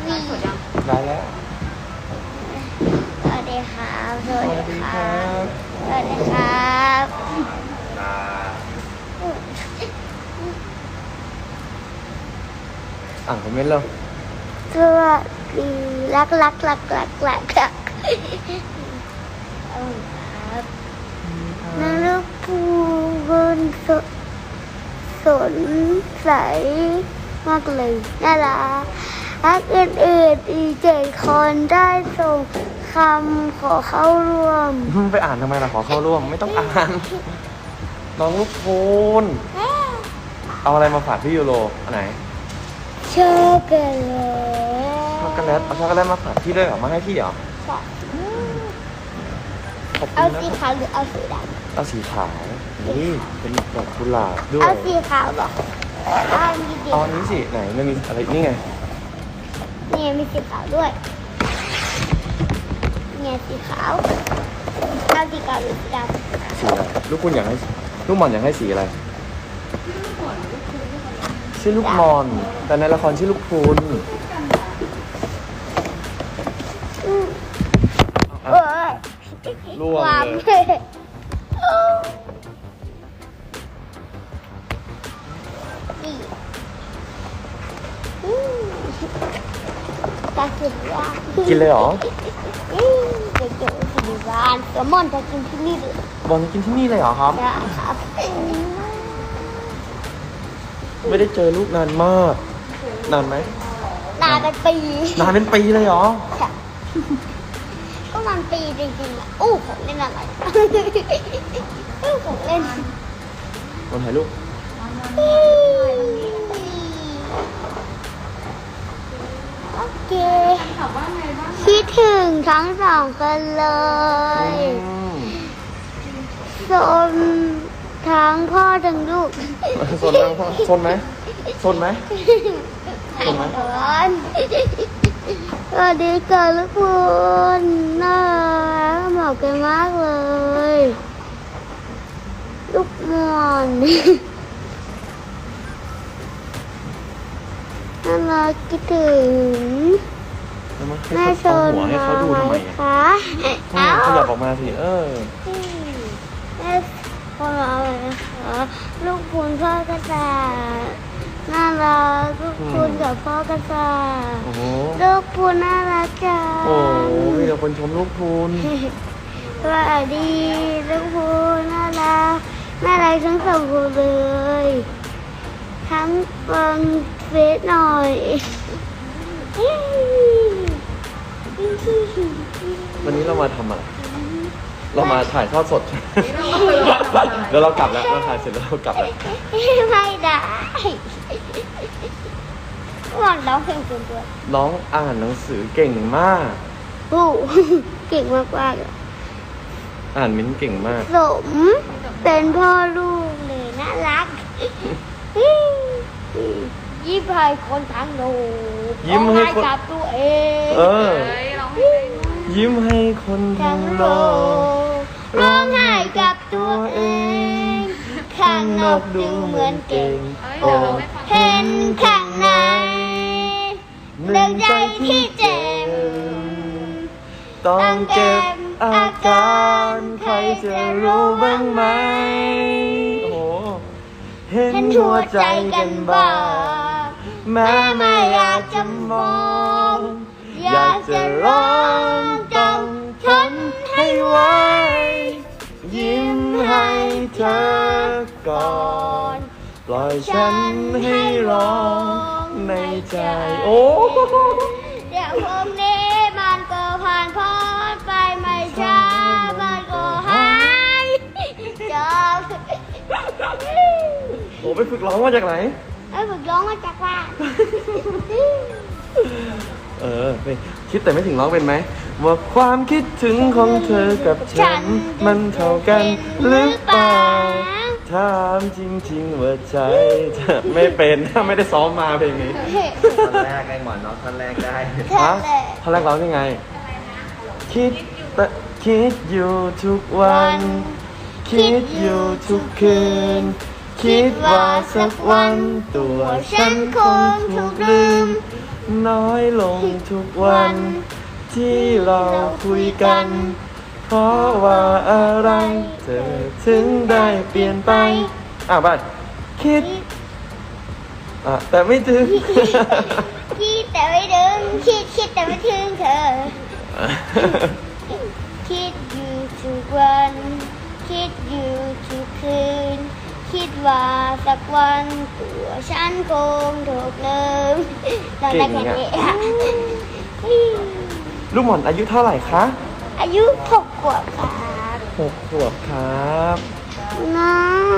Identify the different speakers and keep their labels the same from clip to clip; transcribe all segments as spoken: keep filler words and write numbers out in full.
Speaker 1: วี
Speaker 2: ได้แล้ว
Speaker 1: สวัสดีครับสวัสดีครับสวัสดีครับ
Speaker 2: อ่านคอมเมนต์แล้ว
Speaker 1: สวัสดีรักรักรักรักรักรักครับนรกภูบนสดสนใสมากเลยน่ารักรักอื่นๆอีเจ็ดคนได้ส่งคำขอเข้าร่วม
Speaker 2: ไปอ่านทำไมล่ะขอเข้าร่วมไม่ต้องอ่านน้องลูกโพนเอาอะไรมาฝากพี่ยูโรอันไหน
Speaker 1: ช็อกโกแลต
Speaker 2: ช็อกโกแลตเอาช็อกโกแลตมาฝากพี่ด้วยเหรอมาให้พี่เหรอขอบคุ
Speaker 1: เอา
Speaker 2: ณนะ
Speaker 1: สีขาวหรือเอาสีดำ
Speaker 2: เอาสีขาวนี่เป็นดอกกุหลาบด้วย
Speaker 1: เอาสีขาวหรอเอาอันนี้ดิ
Speaker 2: เอาอันนี้สิไหนมันมีอะไรนี่ไง
Speaker 1: นี่มีสีขาวด้วยเนี่ยสีขาวเอาสีขาวหรือสีดำ
Speaker 2: สีอะไรลูกคุณอยากให้ลูกหมอนอยากให้สีอะไรชื่อลูกมอนแต่ในละครชื่อลูกพูน
Speaker 1: เออ
Speaker 2: ล่วงเลย
Speaker 1: นี่ตากินว่า
Speaker 2: กินเลยเหรอ
Speaker 1: เดี๋ยวเดี๋ยวสิบ้านแซลมอนจะกินที่นี่เลย
Speaker 2: บอลกินที่นี่เลยเหรอครับ
Speaker 1: ครับ
Speaker 2: ไม่ได้เจอลูกนานมากนานไหม
Speaker 1: นานเป็นปี
Speaker 2: นานเป็นปีเลยเหรอ
Speaker 1: ก็มันปีจริงๆอ่ะอู้ของเล่นอะไรอู้ของเล่น
Speaker 2: บอลถ่ายรูป
Speaker 1: โอเคคิดถึงทั้งสองคนเลยโซนทั้งพ่อทั้งลูก
Speaker 2: โซนทั้งพ่อโซนไหมโซนไหมโซนไหม
Speaker 1: สวัสดีค่ะทุกคนน่ารักเหมาะกันมากเลยลูกมอนน่ารักคิดถึง
Speaker 2: แม่ชนหัวให้เขาดูทำไม
Speaker 1: คะ
Speaker 2: เขาอยากออกมาสิเออ
Speaker 1: แม่พอมาเลยนะคะลูกพูนพ่อกระต่ายน่ารักลูกพูนกับพ่อกระต่ายลูกพูนน่ารักจัง
Speaker 2: โอ้มีแต่คนชมลูกพูน
Speaker 1: สวัสดีลูกพูนน่ารักน่ารักทั้งสองคนเลยทั้งฟังเฟซหน่อย
Speaker 2: วันนี้เรามาทำอะไรเรามาถ่ายทอดสดเดี๋ยวเรากลับแล้วเราถ่ายเสร็จแล้วเรากลับแล้ว
Speaker 1: ไม่ได้หวังร้องเพลงจนด้วย
Speaker 2: น้องอ่านหนังสือเก่งมาก
Speaker 1: ปูเก่งมากมาก
Speaker 2: อ่านมิ้นเก่งมาก
Speaker 1: สมเป็นพ่อลูกเลยน่ารักยิ้มให้คนทั้งโลก
Speaker 2: ยิ้มให้
Speaker 1: กับตัวเอง
Speaker 2: เออยิ้มให้คนทั้งโลก
Speaker 1: ร้องไห้กับตัวเองข้างนอกดูเหมือนเก่งโอ้เห็นข้างในเรื่องใจที่เจ็บ
Speaker 2: ต้องเก็บอาการใครจะรู้บ้างไหมโอ้เห็นหัวใจกันบ้างแม้ไม่อยากจะมองอยากจะร้องต้องทนให้ไว้ยิ้มให้เธอก่อนปล่อยฉันให้ร้องในใจโอ้
Speaker 1: เดี๋ยวพรุ่งนี้มันก็ผ่านพ้นไปไม่ช้ามันก็หายจบ
Speaker 2: โอ้ไปฝึกร้องมาจากไหน
Speaker 1: ไปฝึกร้องมาจากบ้าน
Speaker 2: เออไปคิดแต่ไม่ถึงร้องเป็นไหมว่าความคิดถึงของเธอกับฉันมันเท่ากันหรือเปล่าถามจริงๆว่าใจจะไม่เป็นถ้าไม่ได้ซ้อมมาเพลงนี้
Speaker 3: ท่อนแรกไอ้หมอนน้องท่อนแรกได้
Speaker 2: ฮะท่อนแรกร้องยังไงคิดแต่คิดอยู่ทุกวันคิดอยู่ทุกคืนคิดว่าสักวันตัวฉันคงถูกลืมน้อยลงทุกวัน ที่เราคุยกัน เพราะว่าอะไร เธอถึงได้เปลี่ยนไป อ่ะบ้านคิด อ่ะแต่ไม่ถึง
Speaker 1: คิดแต่ไม่ถึงคิดคิดแต่ไม่ถึงเธอ คิดอยู่ทุกวัน คิดอยู่ทุกคืน คิดว่าสักวันตัวฉันคงถูกลืมตอนแรกแค่นี้อะ
Speaker 2: ลูกหม่อนอายุเท่าไหร่คะ
Speaker 1: อายุหกขวบครับ
Speaker 2: หกขวบครับ
Speaker 1: น้า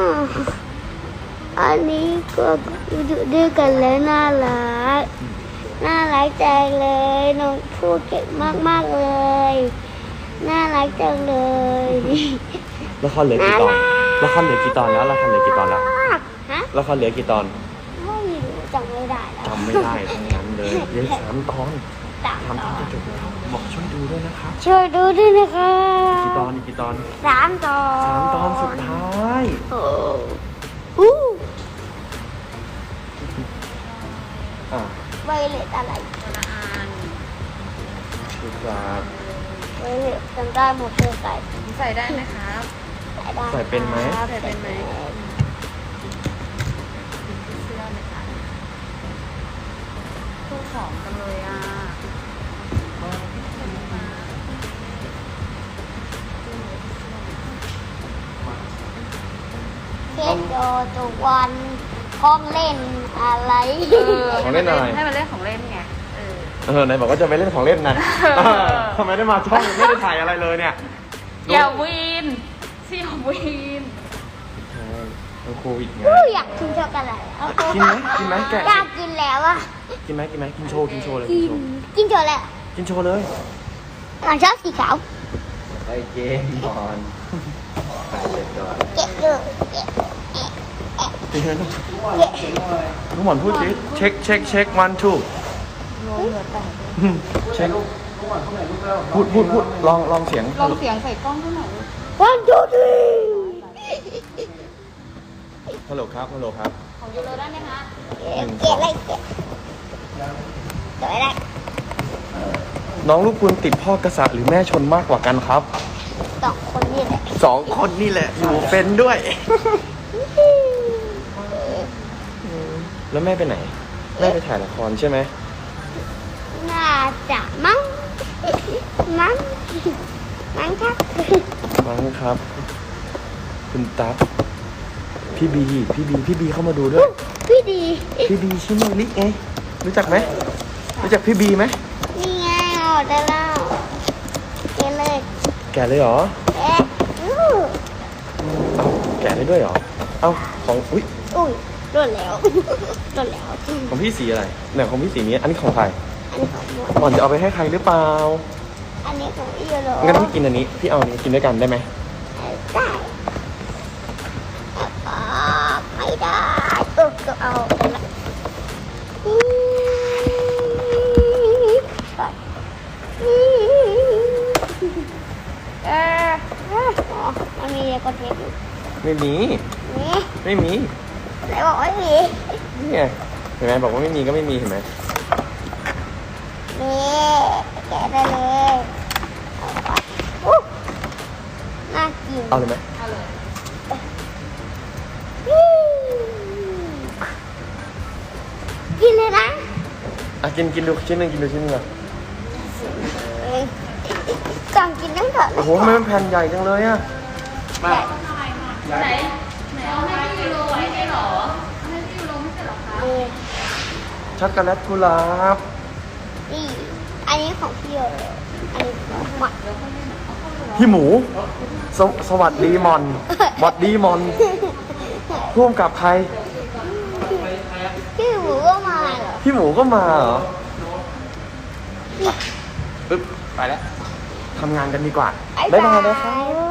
Speaker 1: อันนี้ก็อยู่ด้วยกันแล้วน่ารัก น่ารักจังเลยน้องพูดเก่งมากๆเลย น่ารักจังเลย
Speaker 2: ละครเหลือกี่ตอน ละครเหลือกี่ตอนแล้ว ละครเหลือกี่ตอนแล้ว
Speaker 1: ฮะ
Speaker 2: ละครเหลือกี่ตอน
Speaker 1: ไม่รู้จำไม่ได้แล้ว
Speaker 2: จำไม่ได้ทั้งนั้นเลยเหลือสามตอน
Speaker 1: สาม
Speaker 2: ทำที่จะจบแล้วบอกช่วยดูด้วยนะครับ
Speaker 1: ช่วยดูด้วยนะคะ
Speaker 2: กี่ตอนอีกกี่ตอน
Speaker 1: สามตอน
Speaker 2: สามตอนสุดท้าย
Speaker 1: โอ้อู้
Speaker 2: อ่ะ
Speaker 1: ไวเลตอะไร
Speaker 2: ดูครับ
Speaker 1: ไวเลตจำได้หมดเลยใส่
Speaker 4: ใส่ได้ไหมครับ
Speaker 1: ใส่ได้
Speaker 2: ใส่เป็นไหม
Speaker 1: ครับ
Speaker 4: ใส่เป็นไหม พูดของกันเลยอ่ะ
Speaker 1: เค้กโยทุกวันของเล่นอะไร
Speaker 2: ของเล่นอะไร
Speaker 4: ให้มันเล่นของเล่นไง เออ
Speaker 2: เออไหนบอกว่าจะไปเล่นของเล่นนะ
Speaker 4: เออ
Speaker 2: ทำไมได้มาช่องไม่ได้ถ่ายอะไรเลยเนี่ย
Speaker 4: อย่าวีนสิอย่าวีน
Speaker 2: ใช่เป็นโควิดไง
Speaker 1: อู้อยากกินช็อกโกแลตเอา
Speaker 2: กินไหมกินไหมแกะ
Speaker 1: อยากกินแล้วอะ
Speaker 2: กินไหมกินไหมกินโชว์กินโชว์เลย
Speaker 1: กิ
Speaker 2: กิน
Speaker 1: น
Speaker 2: โชว์
Speaker 1: กินช็อกโกแลต
Speaker 2: กินโชว์เลย
Speaker 1: หลังชอบสีขาว
Speaker 3: ไปเกมก่อนถ่ายเสร็จก่อน
Speaker 1: เก็บเลยเก็บ
Speaker 2: จริงไหมลูก
Speaker 1: เก็บ
Speaker 2: ลูกหมอนพูดสิเช็คเช็คเช็ควันทูเช็คพูดพูดพูดลองลองเสียง
Speaker 4: ลองเสียงใส่กล้องด้วยหน่อย
Speaker 1: วันทูทรี
Speaker 2: ฮัลโหลครับฮัลโหลครับ
Speaker 4: ของยูโรได้ไหมคะ
Speaker 1: เก็บเก็บอะไรเก็บเก็บอะไร
Speaker 2: น้องลูกคุณติดพ่อกษัตริย์หรือแม่ชนมากกว่ากันครับ
Speaker 1: สองคนนี่แหละ
Speaker 2: สองคนนี่แหละอยู่เป็นด้วย แล้วแม่ไปไหน แม่ไปถ่ายละครใช่ไหม
Speaker 1: น่าจะมั้งมั้งมั้งครับ
Speaker 2: มั้งครับ คุณตั๊กพี่บีพี่บีพี่บีเข้ามาดูด้วย
Speaker 1: พี่ดี
Speaker 2: พี่บีชิโนริไงรู้จักไหมรู้จักพี่บีไหม
Speaker 1: นี่ไงออกได้แล้วเก็บเลย
Speaker 2: แกะเลยเหรอ
Speaker 1: เอ๊ะอู้
Speaker 2: เอาแกะได้ด้วยเหรอเอาของอุ้ย
Speaker 1: อุ้ยโดนแล้วโดนแล้ว
Speaker 2: ของพี่สีอะไรเนี่ยของพี่สีนี้อันนี้ของใคร
Speaker 1: อันนี้ของหมด
Speaker 2: ก่อนจะเอาไปให้ใครหรือเปล่า
Speaker 1: อันนี้ของอีโร
Speaker 2: งั้นพี่กินอันนี้พี่เอาอันนี้กินด้วยกันได้ไหม
Speaker 1: ได้อ่าไม่ได้เออก็เอาไปละอืมไปอืมเอออ๋อมันมีกดเทปอยู่
Speaker 2: ไม่มี
Speaker 1: นี่
Speaker 2: ไม่มี
Speaker 1: ไหนบอกไม่มี
Speaker 2: นี่ไงเห็นไหมบอกว่าไม่มีก็ไม่มีเห็นไหม
Speaker 1: นี่แกะได้เลยเอาไปอู้น่ากิน
Speaker 2: เอาเลยไหม
Speaker 4: เอาเลย
Speaker 1: อืมกินเลยนะ
Speaker 2: อ่ะกินกินดูชิ้นหนึ่งกินดูชิ้นหนึ่งอ่ะ
Speaker 1: เอ้ยกล่องกินตั้งแต่
Speaker 2: โอ้โหทำไมมันแผ่นใหญ่จังเลยอ่ะมา
Speaker 4: ไหน ไหนเอาให้พี่ยูโรไว้ให้เหรอเอาให้พี่ยูโรไม่ใช่เหรอคะ
Speaker 1: นี่
Speaker 2: ช็อกโกแลตกุหลาบ
Speaker 1: นี่อันนี้ของพี่โยเลยอันนี้ของหมัก
Speaker 2: พี่หมูสวสวัสดีมอนหวัดดีมอนร่วมกับใคร
Speaker 1: พี่หมูก็มาเหรอ
Speaker 2: พี่หมูก็มาเหรอปึ๊บไปแล้วทำงานกันดีกว่า บ๊ายบายนะครับ
Speaker 1: ย